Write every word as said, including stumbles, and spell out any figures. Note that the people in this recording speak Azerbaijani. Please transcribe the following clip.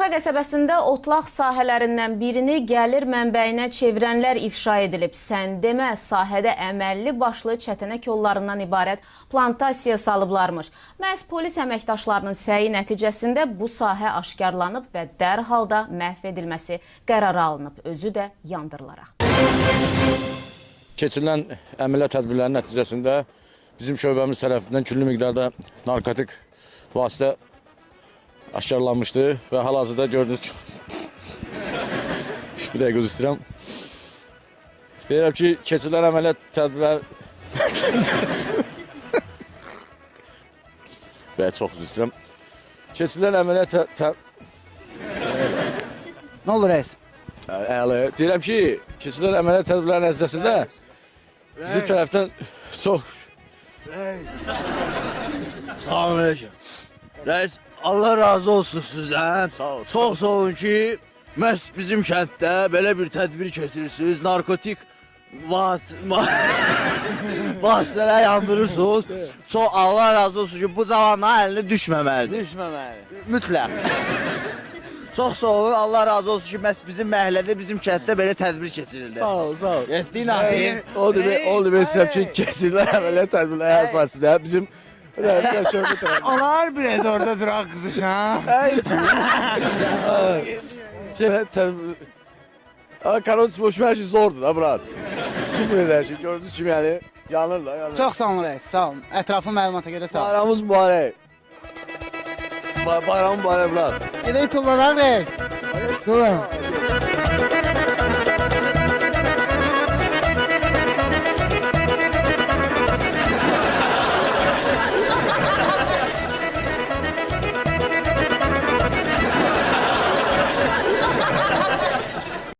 Şamaxı qəsəbəsində otlaq sahələrindən birini gəlir mənbəyinə çevirənlər ifşa edilib. Sən demə, sahədə əməlli başlı çətənək yollarından ibarət plantasiya salıblarmış. Məhz polis əməkdaşlarının səyi nəticəsində bu sahə aşkarlanıb və dərhal da məhv edilməsi qərarı alınıb, özü də yandırılaraq. Keçirilən əməliyyat tədbirlərinin nəticəsində bizim şöbəmiz tərəfindən küllü miqdarda narkotik vasitə aşkarlanmışdı və hal-hazırda gördünüz ki, bir dəqiqə üzr istəyirəm. Deyirəm ki, keçirilən əməliyyat tədbirlər və çox üzr istəyirəm. Keçirilən əməliyyat tədbirlər Nə olur rəis? Əli, deyirəm ki, keçirilən əməliyyat tədbirlər nəticəsində bizim tərəfdən çox Salam aleyküm. Reis, Allah razı olsun sizdən. Sağ ol. Çox sağ olun ki, məhz bizim kənddə belə bir tədbir keçirirsiniz. Narkotik vasitələr yandırırsınız. Çox Allah razı olsun ki, bu cavanların əlinə düşməməlidir. Düşməməli. Mütləq. Çox sağ olun, Allah razı olsun ki, məhz bizim məhəllədə, bizim kənddə belə tədbir keçirildi. Sağ ol, sağ ol. Yetdiyin ahir. O demək, o demək istəyirəm ki, keçirilən əməliyyat tədbirləri əsasında bizim Onlar biraz orada duraq qızışan. Karantin boşma hər şey zordur da, brat. Süper hər şey, gördünüz kimi yəni, yanır da, yanır. Çox sağ olun rəis, sağ olun. Ətraflı məlumata görə sağ olun. Bayramımız mübarək. Bayramın mübarək, brat. Gedək tulladan rəis. Tullan.